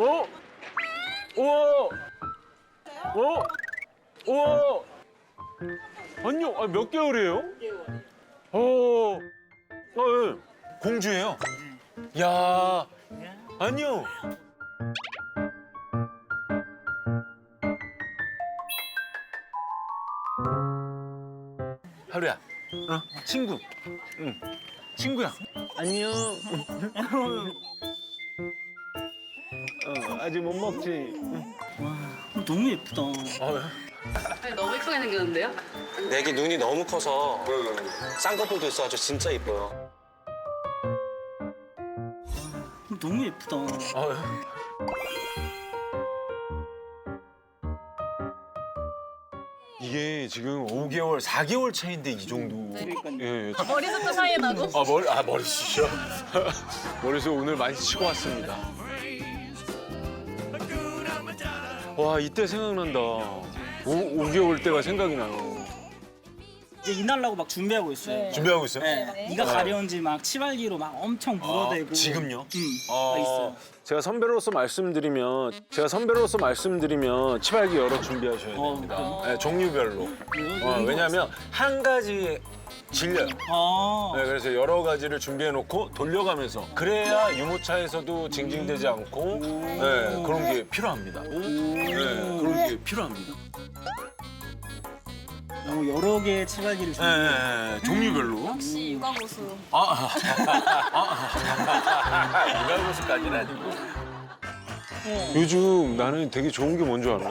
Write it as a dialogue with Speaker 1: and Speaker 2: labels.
Speaker 1: 어? 우와! 어? 우와! 아니요, 아, 몇 개월이에요? 6개월. 어, 예.
Speaker 2: 공주예요.
Speaker 1: 야, 아니요.
Speaker 2: 하루야. 친구.
Speaker 1: 응.
Speaker 2: 친구야.
Speaker 1: 안녕. 아직 못 먹지.
Speaker 3: 너무 예쁘다.
Speaker 4: 너무 예쁘게 생겼는데요?
Speaker 5: 내기 눈이 너무 커서 쌍꺼풀도 있어가지고 진짜 이뻐요.
Speaker 3: 너무 예쁘다.
Speaker 1: 이게 지금 5개월, 4개월 차인데 이 정도. 예, 예.
Speaker 4: 머리부터 사이에 나고.
Speaker 1: 머리숱이요? 머리숱 오늘 많이 치고 왔습니다. 와, 이때 생각난다. 5개월 때가 생각이 나요.
Speaker 3: 이제 이날라고 막 준비하고 있어요.
Speaker 2: 준비하고 있어요?
Speaker 3: 네. 네가 가려운지 막 치발기로 막 엄청 물어대고.
Speaker 2: 지금요?
Speaker 3: 막 있어요.
Speaker 1: 제가 선배로서 말씀드리면 치발기 여러 준비하셔야 됩니다. 네, 종류별로. 왜냐하면 한 가지 질려요. 네, 그래서 여러 가지를 준비해놓고 돌려가면서 그래야 유모차에서도 징징대지 않고 네, 그런 게 필요합니다. 네, 그런 게 필요합니다.
Speaker 3: 여러 개의 치발기를
Speaker 1: 네,
Speaker 3: 준비해요.
Speaker 1: 네, 종류별로.
Speaker 4: 역시 육아고수.
Speaker 1: 육아고수까지는 아니고. 요즘 나는 되게 좋은 게 뭔 줄 알아?